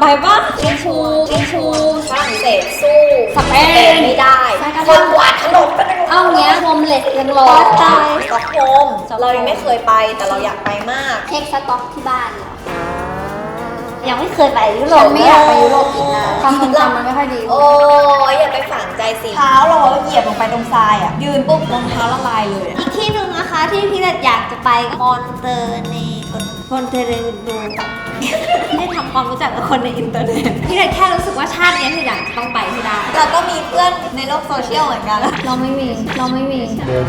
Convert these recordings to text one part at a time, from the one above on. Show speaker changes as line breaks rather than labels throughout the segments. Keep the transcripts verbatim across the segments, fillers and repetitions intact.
ปะ
ทิชชูทิชชู
ฝรั่งเศสสู้สเปนไม่ได้คนกวาดถนน
เอาเนี้ยโฮมเลสยังรอ
ตายสต็อกโฮล์มเรายังไม่เคยไปแต่เราอยากไปมาก
เช็คสต็อกที่บ้านเหรอ
ยังไม่เคยไปยุโร
ฉั
ป
นไม่อยากไปยุโรปอีกนะความทรงจำมันไม่ค่อยดี
โอ้ยอย่าไปฝังใจสิเท้าเราเหยียบลงไปตรงทรายอ่ะยืนปุ๊บรองเท้าละลายเลย
อีกที่หนึ่งนะคะที่พี่เล็ดอยากจะไปมอนเตเนมอนเตเนโดไม่ได้ทำความรู้จักกับคนในอินเทอร์เน็ตพี่เล็ดแค่รู้สึกว่าชาตินี้คืออยากจะต้องไปให้ได้
เราก็มีเพื่อนในโลกโซเชียลเหมือนกัน
เราไม่มีเราไม่มี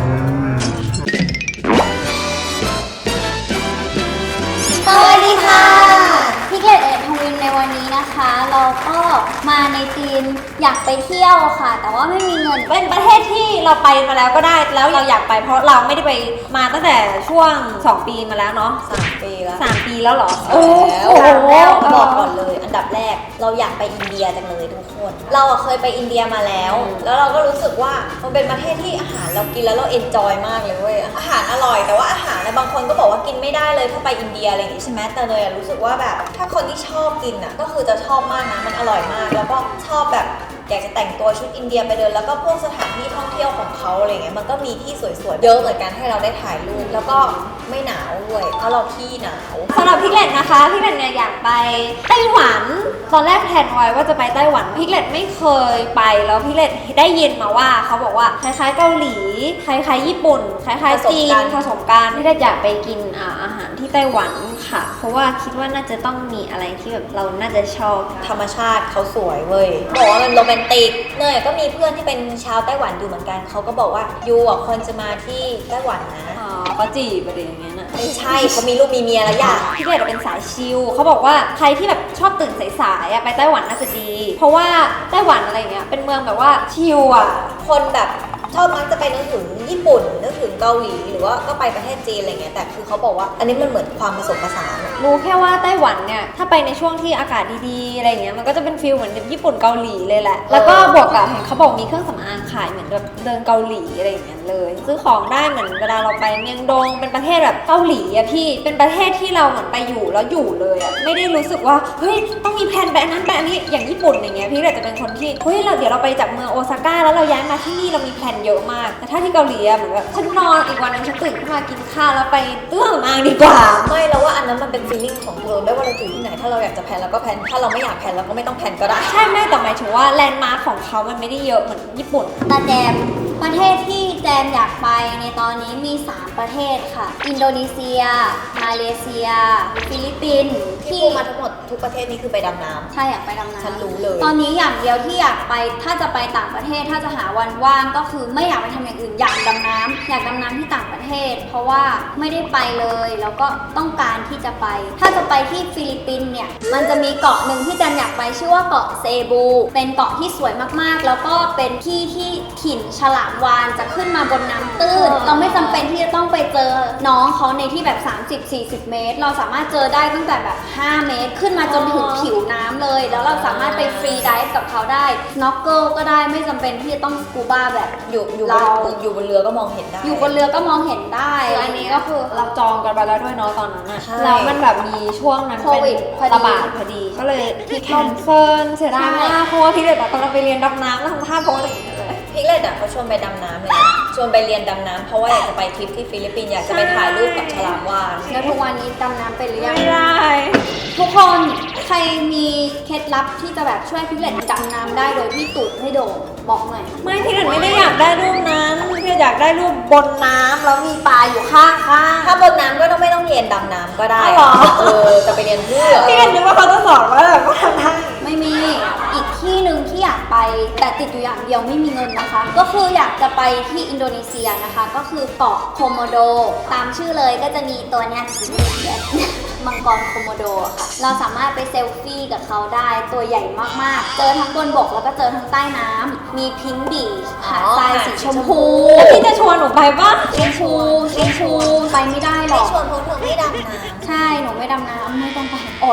สวัสดีค่ะพี่เกดเอ็ดทวินในวันนี้นะคะ เราก็มาในทีมอยากไปเที่ยวค่ะ แต่ว่าไม่มีเงิน
เป็นประเทศที่เราไปมาแล้วก็ได้แล้วเราอยากไปเพราะเราไม่ได้ไปมาตั้งแต่ช่วงสองปีมาแล้วเนาะ
สามปีแล้ว
สามปีแล้วเหรอ
โอ้โห
แล้ว
บอกก่อนเลย อันดับแรกเราอยากไปอินเดียจังเลยทุกคน เราอะเคยไปอินเดียมาแล้ว แล้วเราก็รู้สึกว่ามันเป็นประเทศที่อาหารเรากินแล้วเราเอนจอยมากเลยเว้ยอาหารอร่อยแต่ว่าอาหารนะบางคนก็บอกว่ากินไม่ได้เลยถ้าไปอินเดียอะไรอย่างงี้ใช่ไหมแต่เลยอะรู้สึกว่าแบบถ้าคนที่ชอบกินอะก็คือจะชอบมากนะมันอร่อยมาก แล้วก็ชอบแบบอยากจะแต่งตัวชุดอินเดียไปเดินแล้วก็พวกสถานที่ท่องเที่ยวของเขาอะไรเงี้ยมันก็มีที่สวยๆเยอะเหมือนกันให้เราได้ถ่ายรูปแล้วก็ไม่หนาวด้วยเพราะเราที่หนาว
สำหรับพี่เล็ดนะคะพี่เล็ดเนี่ยอยากไปไต้หวันตอนแรกแพลนไว้ว่าจะไปไต้หวันพี่เล็ดไม่เคยไปแล้วพี่เล็ดได้ยินมาว่าเขาบอกว่าคล้ายๆเกาหลีคล้ายๆญี่ปุ่นคล้ายๆจีนผสมกันพี่เล็ดอยากไปกินอ่าอาหารที่ไต้หวันค่ะเพราะว่าคิดว่าน่าจะต้องมีอะไรที่แบบเราน่าจะชอบ
ธรรมชาติเขาสวยเว้ยบอกว่ามันโรแมนติกเนยก็มีเพื่อนที่เป็นชาวไต้หวันอยู่เหมือนกันเขาก็บอกว่ายูอ่ะควรจะมาที่ไต้หวันนะ
อ๋อเขาจีบอะไรอย่างเงี้ยนะ
ไม่ใช่เขามีลูกมีเมียแล้วอย่า
พี่เล็ดเป็นสายชิลเขาบอกว่าใครที่แบบชอบตื่นสายๆอะไปไต้หวันน่าจะดี เพราะว่าไต้หวันอะไรเงี้ยเป็นเมืองแบบว่าชิลอะ
คนแบบชอบมักจะไปนึกถึงญี่ปุ่นนึกถึงเกาหลีหรือว่าก็ไปประเทศจีนอะไรเงี้ยแต่คือเขาบอกว่าอันนี้มันเหมือนความผสมผสานอะ
รู้แค่ว่าไต้หวันเนี่ยถ้าไปในช่วงที่อากาศดีๆอะไรเงี้ยมันก็จะเป็นฟีลเหมือนญี่ปุ่นเกาหลีเลยแหละแล้วก็บวกกับเห็นเขาบอกมีเครื่องสำอางขายเหมือนแบบเดินเกาหลีอะไรอย่างเงี้ยเลยซื้อของได้เหมือนเวลาเราไปเมียงดงเป็นประเทศแบบเกาหลีอะพี่เป็นประเทศที่เราเหมือนไปอยู่แล้วอยู่เลยอะไม่ได้รู้สึกว่าเฮ้ยต้องมีแผนแบบนั้นแบบนี้อย่างญี่ปุ่นอย่างเงี้ยพี่เลยจะเป็นคนที่เฮ้ยเราเดี๋ยวเราไปจากเมืองโอซาก้าแล้วเราย้ายมาที่นี่เรามีแผนเยอะมากแต่ถ้าที่เกาหลีอะเหมือนแบบฉันนอนอีกวันนึงฉันตื่นขึ้นมากินข้าวแล้วไปเตื้องมางดีกว่า
ไม่แล้วว่าอันนั้นมันเป็นฟีลลิ่งของเธอไม่ว่าเราจะอยู่ที่ไหนถ้าเราอยากจะแพลนเราก็แพลนถ้าเราไม่อยากแพลนเราก็ไม่ต้องแพลนก็ได้
ใช่แม่แต่หมายถึงว่าแลนด์มาร์คของเขามันไม่ได้เยอะเหมือนญี่ปุ่น
ตาแจมประเทศที่แจมอยากไปในตอนนี้มีสามประเทศค่ะ อินโดนีเซีย มาเลเซีย ฟิลิปปินส์
ที่
ที่
พูดมาทั้งหมดทุกประเทศนี้คือไปดำน้ำ
ใช่อยากไปดำน้ำ
ฉันรู้เลย
ตอนนี้อย่างเดียวที่อยากไปถ้าจะไปต่างประเทศถ้าจะหาวันว่างก็คือไม่อยากไปทำอย่างอื่นอยากดำน้ำอยากดำน้ำที่ต่างประเทศ เพราะว่าไม่ได้ไปเลยแล้วก็ต้องการที่จะไป ถ้าจะไปที่ฟิลิปปินส์เนี่ยมันจะมีเกาะหนึ่งที่แจมอยากไปชื่อว่าเกาะเซบู เป็นเกาะที่สวยมากๆ แล้วก็เป็นที่ที่ถิ่นฉลามวาฬจะขึ้นมาบนน้ำตื้น เราไม่จำเป็นที่จะต้องไปเจอน้องเขาในที่แบบ สามสิบสี่สิบ เมตร เราสามารถเจอได้ตั้งแต่แบบ ห้า เมตร ขึ้นมาจนถึงผิวน้ำเลย แล้วเราสามารถไปฟรีไดฟ์กับเขาได้ snorkel ก็ได้ไม่จำเป็นที่จะต้องสกูบ้าแบบ
อยู่อยู่บ
เรา
นอยู่บนเรือก็มองเห็นได้
อยู่บนเรือก็มองเห็นได้
คืออันนี้ก็คือเราจองกันไปแล้วด้วยเนาะตอนนั้นอะ
ใช่
แล้วมันแบบมีช่วงนั้น
โค
เป็น
วิดพอดี
ระบาดพอดี ก็เลยที่แคนเซิลเสียดายมากเพราะว่าพี่เด็กตอนเราไปเรียนดำน้ำแล้วทำท่าโพสอะไรอย่างเงี้ยเลย
พิกเลตอ่ะเขาชวนไปดำน้ำเลยนะชวนไปเรียนดำน้ำเพราะว่าอยากจะไปทริปที่ฟิลิปปินส์อยากจะไปถ่ายรูปกับฉลามวาฬ
แล้วทุกวันนี้ดำน้ำเป็นหรือยัง
ไม่ได้
ทุกคนใครมีเคล็ดลับที่จะแบบช่วยพิกเลตดำน้ำได้โดยที่ตูดไม่โด่งบอกหน่อย
ไม่พี่เด็กไม่ได้อยากได้รูปนั้นพี่เด็กอยากได้รูปบนน้ำแล้วมีปลาอยู่ข้างข้าง
ถ้าบนน้ำก็ต้องไม่ต้องเรียนดำน้ำก็ได้
อ๋อเหรอ
เออจะไปเรียนเพื่อ
พี่เด็กนึกว่าเขาจะสอนว่าแบบว่าทำได้
ไม่มีอีกที่หนึ่งที่อยากไปแต่ติดอยู่อย่างเดียวไม่มีเงินนะคะ ก็คืออยากจะไปที่อินโดนีเซียนะคะ ก็คือเกาะโคโมโด ตามชื่อเลยก็จะมีตัวเนี้ย มังกรโคโมโดค่ะ เราสามารถไปเซลฟี่กับเขาได้ตัวใหญ่มากๆ เจอทั้งบนบกแล้วก็เจอทั้งใต้น้ำมีพิงค์บีชหาดทรายสีชมพู
แล้วพี่จะชวนหนูไปปะ
ชิงชูชิงชูไปไม่ได้หร
ไม่
อก
ชวนเพราะเธอไม่ดำน้ำ
ใช่ หนูไม่ดำน้ำไม่ต้องไปอด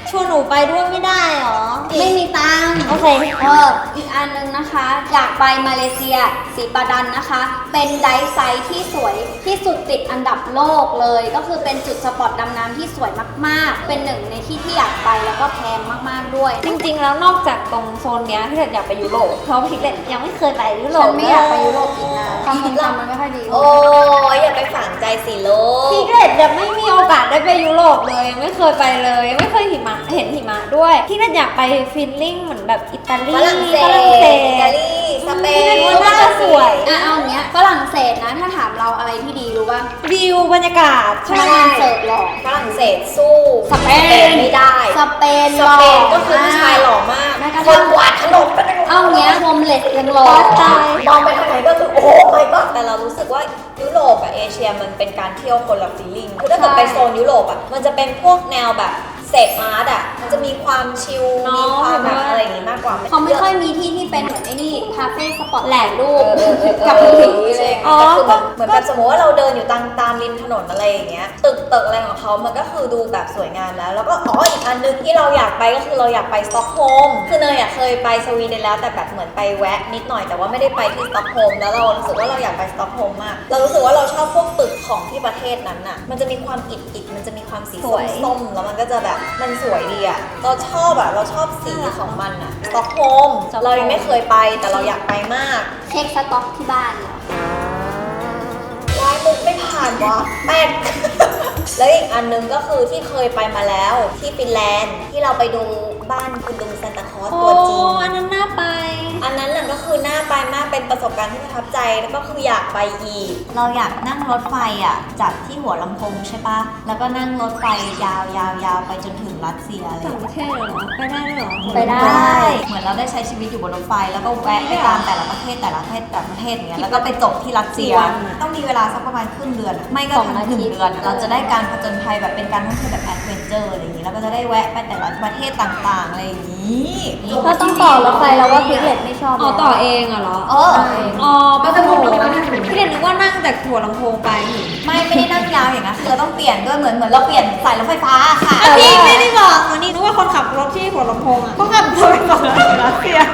ชวนหนูไปด้วยไม่ได้หรอ
ไม่มีตังค์
โอเค
เอออีกอันนึงนะคะ อยากไปมาเลเซียสีปาดันนะคะ เป็นไดฟ์ไซต์ที่สวยที่สุดติดอันดับโลกเลย ก็คือเป็นจุดสปอตดำน้ำที่สวยมากๆ เป็นหนึ่งในที่ที่อยากไปแล้วก็แพงมากๆด้วย
จริงๆ แล้วนอกจากตรงโซนเนี้ยพี่เล็ดอยากไปยุโรปเพราะพี่เล็ดยังไม่เคยไปยุโร
ฉั
ป
นไม่อยากไปยุโรปอีกนะความทรงจำมันไม่ค่อยดี
โอ้ยอย่าไปฝังใจสิโลก
พี่เล็ดยังไม่มีโอกาสได้ไปยุโรปเลยยังไม่เคยไปเลยยังไม่เคยหิมะเห็นหิมะด้วยพี่เล็ดอยากไปฟินลิ่งเหมือนแบบอิตาลี
ฝรั่งเศ
ฝรั่งเศ
สอิตา
ส
ลีสเป
พี่เล็ด
น
ว่าน่าจะสวย
อ่ะเอาอย่างเงี้ยฝรั่งเศสนะ ถ้าถามเราอะไรที่ดีรู้ป่ะ
วิวบรรยากาศ
พนักงานเสิร์ฟหล่อ
ฝรั่งเศสสู้
สเปน
ไม่ได้
สเปน
สเปนก็คือผู้ชายหล่อมาก
แม้กระ
ค
ทั่
น
ง
กวาดถนนไป
เอาเงี้ยโฮมเลสยังหล่อ
ตาย
มองไปทางไหนก็คือโอ้ my god แต่เรารู้สึกว่ายุโรปกับเอเชียมันเป็นการเที่ยวคนละฟีลลิ่งคือถ้าเกิดไปโซนยุโรปอ่ะมันจะเป็นพวกแนวแบบเสพอาร์ตอ่ะมันจะมีความชิลมีความแบบอะไรอย่างงี้มากกว่า
เขาไม่ค่อยมีที่ที่เป็นเหมือนไอ้นี่คาเฟ่สปอตแหลกรู
เอ
ป
อเออเออ
กับ
เอ
ผี
อ
อะไรอย่าง
อ๋
เงี้
อย ก็เหมือนแบบสมมติว่าเราเดินอยู่ตามตามริมถนนอะไรอย่างเงี้ยตึกตึกอะไรของเขามันก็คือดูแบบสวยงามแล้วแล้วก็อ๋ออีกอันนึงที่เราอยากไปก็คือเราอยากไปสต็อกโฮล์มคือเนยอยากเคยไปสวีเดนแล้วแต่แบบเหมือนไปแวะนิดหน่อยแต่ว่าไม่ได้ไปที่สต็อกโฮล์มแล้วเรารู้สึกว่าเราอยากไปสต็อกโฮล์มมากเรารู้สึกว่าเราชอบพวกตึกของที่ประเทศนั้นน่ะมันจะมีความอิฐอิฐมันจะมีความสีส้มๆแล้วมันก็จะแบบมันสวยดีอ่ะเราชอบอ่ะเราชอบสีของมันอ่ะสต็อกโฮล์มเรายังไม่เคยไปแต่เราอยากไปมาก
เช็คสต็อกที่บ้านเหรอ
วายมุกไม่ผ่านวะแป๊ก แล้วอีกอันนึงก็คือที่เคยไปมาแล้วที่ฟินแลนด์ที่เราไปดูบ้านคุณลุงซานตาคลอส
โอ้
ตัวจริง
อันนั้นน่าไป
อันนั้นน่ะก็คือน่าไปมากเป็นประสบการณ์ที่ประทับใจแล้วก็คืออยากไปอีก เราอยากนั่งรถไฟอ่ะจากที่หัวลำโพงใช่ปะแล้วก็นั่งรถไฟยาวยาวยาวไปจนถึงรัสเซียเลย
ต่างประเทศเหรอ ไปได้ด้วยเหรอ
ไปได้
เหมือนเราได้ใช้ชีวิตอยู่บนรถไฟแล้วก็แวะไปตามแต่ละประเทศแต่ละประเทศแต่ละประเทศอย่างเงี้ยแล้วก็ไปจบที่รัสเซีย ต้องมีเวลาสักประมาณครึ่งเดือนอะไม่ก็
สอง
ทั้ง
อาทิ
ห
ตย์
นึ่งเดือนอะเราจะได้การผจญภัยแบบเป็นการท่องเที่ยวแบบแอดเวนเจอร์อะไรอย่างงี้แล้วก็จะได้แวะไปแต่ละประเทศต่างๆอะไรอย่างงี้
ถ้าต้องต่อรถไฟแล้วว่าพิกเลตไม่ชอบ
อ๋อต่อเองอะเหรอ
เออ
อ๋อก็จะถูกพี่เด่นนึกว่านั่งจากหัวลำโพงไป
ไม่ไม่ได้นั่งยาวอย่างนั้นคือเราต้องเปลี่ยนด้วยเหมือนเหมือนเราเปลี่ยนสายรถไฟฟ้าค่ะ
อ่ะพี่ไม่ได้บอกหนูนี่นึกว่าคนขับรถที่หัวลำโพงอ่ะเขาขับรถไปก่อนรัสเซีย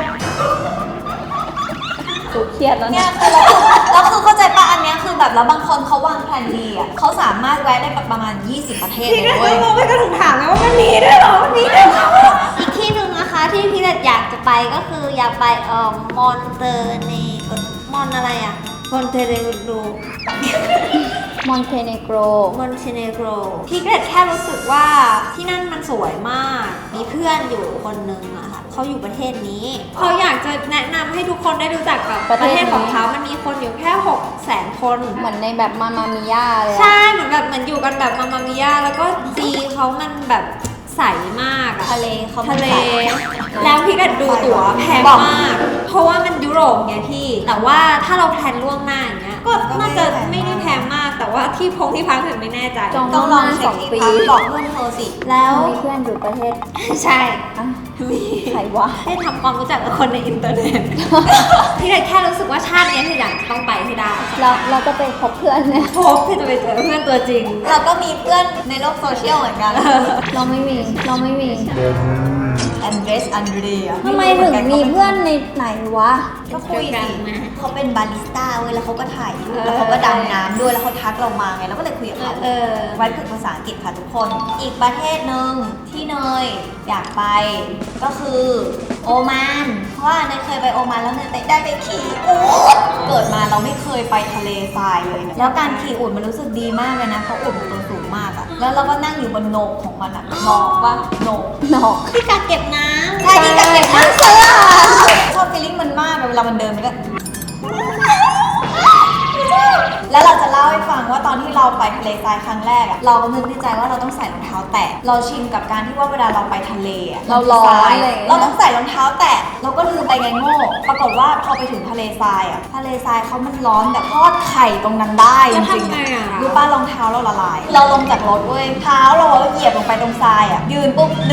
ถูกเครียดแล้ว
เนี่
เนี่ย ย
คือเราแล้วคือเข้าใจป่ะอันเนี้ยคือแบบแล้วบางคนเขาวางแผนดีอ่ะเขาสามารถแวะได้แบบประมาณยี่สิบประเทศ
พี่
เล
ก็
ยเว้ย
งงไม่ก็ถึงถามไงว่ามันมีด้วยเหรอมันมีด้วยเหรออีกที่หนึ่งนะคะที่พี่เล็ดอยากจะไปก็คืออยากไปเอ่อมอนเตเนมอนอะไรอ่ะมอนเตเนโกร
มอนเทเนโกร
มอนเตเนโกรพี่เล็ดแค่รู้สึกว่าที่นั่นมันสวยมาก มีเพื่อนอยู่คนนึงอะค่ะเขาอยู่ประเทศนี้เขาอยากจะแนะนำให้ทุกคนได้รู้จักกับประเทศของเขามันมีคนอยู่แค่หกแสนคน
เหมือนในแบบมามามิย่าเลยอะ
ใช่เหมือนแบบเหมือนอยู่กันแบบมามามิยาแล้วก็ซีเขามันแบบใสมากอะ
ทะเลเขา
ทะเล แล้วพี่ก็ดูตั๋วแพงมาก เพราะว่ามันยุโรปไงพี่ แต่ว่าถ้าเราแพลนล่วงหน้าอย่างเงี้ยก็น่าจะไม่ได้แพงมาก แต่ว่าที่พงที่พักถึงไม่แน่ใจ
จอง
ต้องลองเช็คที่พักบอกเพื่อนเธอสิ
แล้ว
มีเพื่อนอยู่ประเทศ
ใช่
อ่ะ
มี
ใครวะ
ได้ทำความรู้จักกับคนในอินเทอร์เน็ต พี่เลยแค่รู้สึกว่าชาติเนี้ยคืออยากจะต้องไปให้ได้
เราเราจะไปพบเพื่อนเนี่ย
พบที่จะไปเจอเพื่อนตัวจริง
เราก็มีเพื่อนในโลกโซเชียลเหมือนกัน
เราไม่มีเราไม่มี
แอนเดรสอันเดรีย
ทำไมถึงมีเพื่อนในไหนวะ
ก็คุย
เจอกั
สิ
นไหม
เขาเป็นบาริสต้าเว้ยแล้วเขาก็ถ่ายรูป
เออ
แล้วเขาก็ดำน้ำด้วยแล้วเขาทักเรามาไงเราก็เลยคุยกับเขา
เออ
ไว้ฝึกภาษาอังกฤษค่ะทุกคน อีกประเทศหนึ่งที่เนยอยากไปก็คือโอมานเพราะว่าเนยเคยไปโอมานแล้วเนยได้ไปขี่อูฐเกิดมาเราไม่เคยไปทะเลทรายเลยนะแล้วการขี่อูฐมันรู้สึกดีมากเลยนะเพราะอูฐมันตัวสูงมากอะแล้วเราก็นั่งอยู่บนโหนกของมันอะหนอกว่าโหนก
หนอก
ที่กักเก็บน้ำ
ใช่ที่กักเก็บน้ำเชื่อชอบฟีลลิ่งมันมากเวลามันเดินมันก็ แล้วเราจะเล่าให้ฟังว่าตอนที่เราไปทะเลทรายครั้งแรกอะเราก็นึกในใจว่าเราต้องใส่รองเท้าแตะเราชินกับการที่ว่าเวลาเราไปทะเลอะ
เราร้อน
ทาย
เลย
เราต้องใส่รองเท้าแตะเราก็ลืมไปไงโง่ปรากฏว่าพอไปถึงทะเลทรายอะทะเลทรายเขามันร้อนแบบทอดไข่ตรงนั้นได้จ
แล้ว
ริง
ทำไงอะ
ๆรู้ป้ารองเท้าเราละลาย เราลงจากรถเว้ยเท้าเราเหยียบลงไปตรงทรายอะยืนปุ๊บหนึ่ง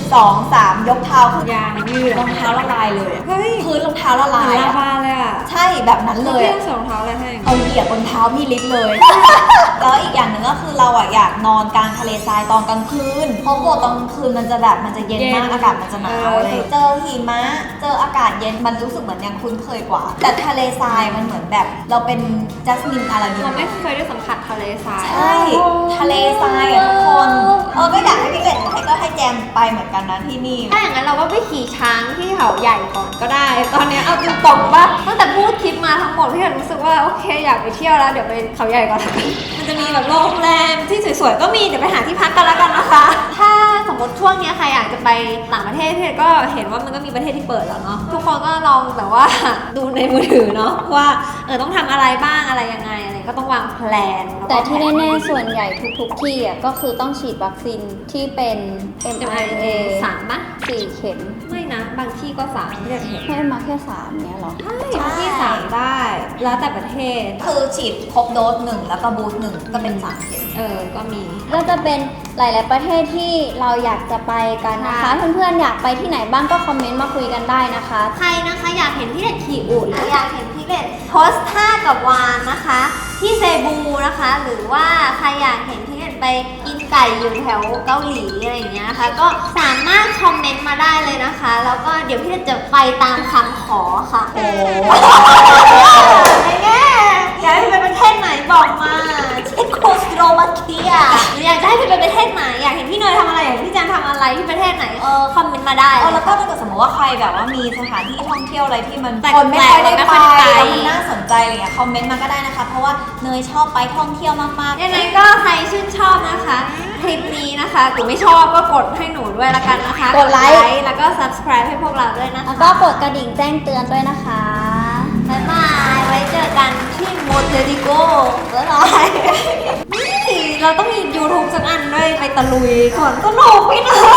สองสามยกเท้าขึ้น
ยางยืด
รองเท้าละลายเลยอะ
เฮ้ย
พื้นรองเท้าละลาย
ลา
อะ
บาเลยอ่ะ
ใช่แบบนั้นเลย
เรื่อ
อะ
งสองเท้าอะไรให้
เอาเหยียบบนเท้าพี่ลิศเลย แล้วอีกอย่างหนึ่งก็คือเราอะอยากนอนกลางทะเลทรายตอนกลางคืน เพราะปกติตอนกลางคืนมันจะแบบมันจะเย็นมากอากาศมันจะหนาวเลย เจอหิมะ เจออากาศเย็นมันรู้สึกเหมือนยังคุ้นเคยกว่า แต่ทะเลทรายมันเหมือนแบบเราเป็นจัสมินอาราดิน
เราไม่เคยได้สัมผัสทะเลทราย
ใช่ทะเลทรายอะทุกคนเออก็อยากให้พี่เล็กให้ก็ให้แจมไปเหมือนกันนะที่นี่
ถ้าอย่างนั้นเราก็ไปขี่ช้างที่เขาใหญ่ก่อนก็ได้ ตอนเนี้ยเอาจริงตรงว่าตั้งแต่พูดคลิปมาทั้งหมดพี่เห็นรู้สึกว่าโอเคอยากไปเที่ยวแล้วเดี๋ยวไปเขาใหญ่ก่อน มันจะมีแบบโรงแรมที่สวยๆก็มีเดี๋ยวไปหาที่พักกันแล้วกันนะคะ ถ้าสมมติช่วงเนี้ยใครอยากจะไปต่างประเทศพี่ก็เห็นว่ามันก็มีประเทศที่เปิดแล้วเนาะทุกคนก็ลองแบบว่า ดูในมือถือเนาะว่าเออต้องทำอะไรบ้างอะไรยังไงอะไรก็ต้องวางแผนล้วก็
แต่ที่แน่ๆส่วนใหญ่ทุกๆที่อ่ะก็คือต้องฉีดวัคซีนที่เป็น เอ็ม อาร์ เอ็น เอ
สามปะ
สี่เข็ม
ไม่นะบางที่ก็สามไม่ได้เห็น
ให้มาแค่สามเนี้ยเหรอ
ใช่บางที่สามได้ แล้วแต่ประเทศ
คือฉีดครบโดสหนึ่งแล้วก็บูสต์หนึ่งก็เป็นสามเข็ม
เออ ก็มี
ก็จะเป็นหลาย ๆ ประเทศที่เราอยากจะไปกันนะคะ
ใช่
เพื่อนๆ อยากไปที่ไหนบ้างก็คอมเมนต์มาคุยกันได้นะคะ
ใครนะคะอยากเห็นพี่เล็ดขี่อูฐหรืออยากเห็นพี่เล็ดโพสท่ากับวานนะคะ ที่เซบูนะคะ หรือว่าใครอยากเห็นพี่เล็ดไปกินไก่อยู่แถวเกาหลีอะไรอย่างเงี้ยนะคะ ก็สามารถคอมเมนต์มาได้เลยนะคะ แล้วก็เดี๋ยวพี่เล็ดจะไปตามคำขอค่ะ
โอ้
ไอ้แง่อยากให้ไปประเทศไหนบอกมาเช่นโคสโลวาเกียหรืออยากจะให้ไปประเทศไหนอยากเห็นพี่เนยทำอะไรอยากเห็นพี่แจนทำอะไรที่ประเทศไหนเออคอมเมนต์มาได้
เออแล้วก็ถ้าเกิดสมมติว่าใครแบบว่ามีสถานที่ท่องเที่ยวอะไรที่มัน
แปลกๆ
คนไม่ค่อยได้
ไม่
ไป
ค่อยได้ไป
แล้วมันน่าสนใจอะไรเงี้ยคอมเมนต์มาก็ได้นะคะ เพราะว่าเนยชอบไปท่องเที่ยวมากๆ
ยังไงก็ใครชื่นชอบนะคะ คลิปนี้นะคะหรือไม่ชอบก็กดให้หนูด้วยละกันนะคะ
กดไลค์
แล้วก็ subscribe ให้พวกเราด้วยนะคะ
แล้วก็กดกระดิ่งแจ้งเตือนด้วยนะคะ
บ๊ายบายไว้เจอกันที่โมเทดิโก้บ๊ายบายนี่เราต้องมี YouTube สักอันด้วยไปตะลุยสวนสนุกพี่หนึ่ง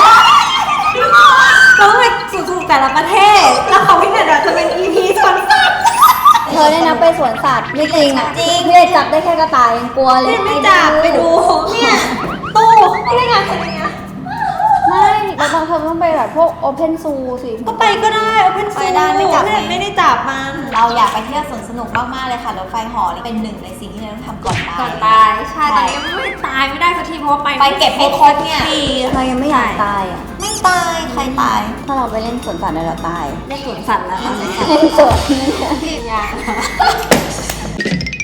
เราต้องไปสู่แต่ละประเทศ แล้วของพี่หนึ่งจะเป็น อี พี สวนสัตว์
เธอได้นะไปสวนสัตว์ไม่จริงอ่ะ
จริง
พี่เลยจับได้แค่กระต่ายยังกลัวเลย
ไม่จับไปดูเนี่ยตู้ไม่ได้งานอะไรเงี้ย
ไม่เราต้องเธอต้องไปแบบพวกโอเพนซูสิ
ก็ไปก็ได้เอาเป็น
ไปได้ไม่จับ
ไม่ไม่ได้จับมัน
เราอยากไปเที่ยวสวนสนุกมากๆเลยค่ะรถไฟเหอนี่เป็นหนึ่งในสิ่งที่เราต้องทำก่อนตาย
ก่อนตายใช่ตอนนี้ไม่ตายไม่ได้สักทีเพราะว่าไป
ไปเก็บให้ครบเนี่ย
ปี
เรายังไม่อยากตายอ่ะ
ไม่ตายใครตาย
ถ้าเราไปเล่นสวนสัตว์เดี๋ยวเราตาย
ได้สวนสัตว์แล้วตอนนี้
เล่นสวน
ที่ยาก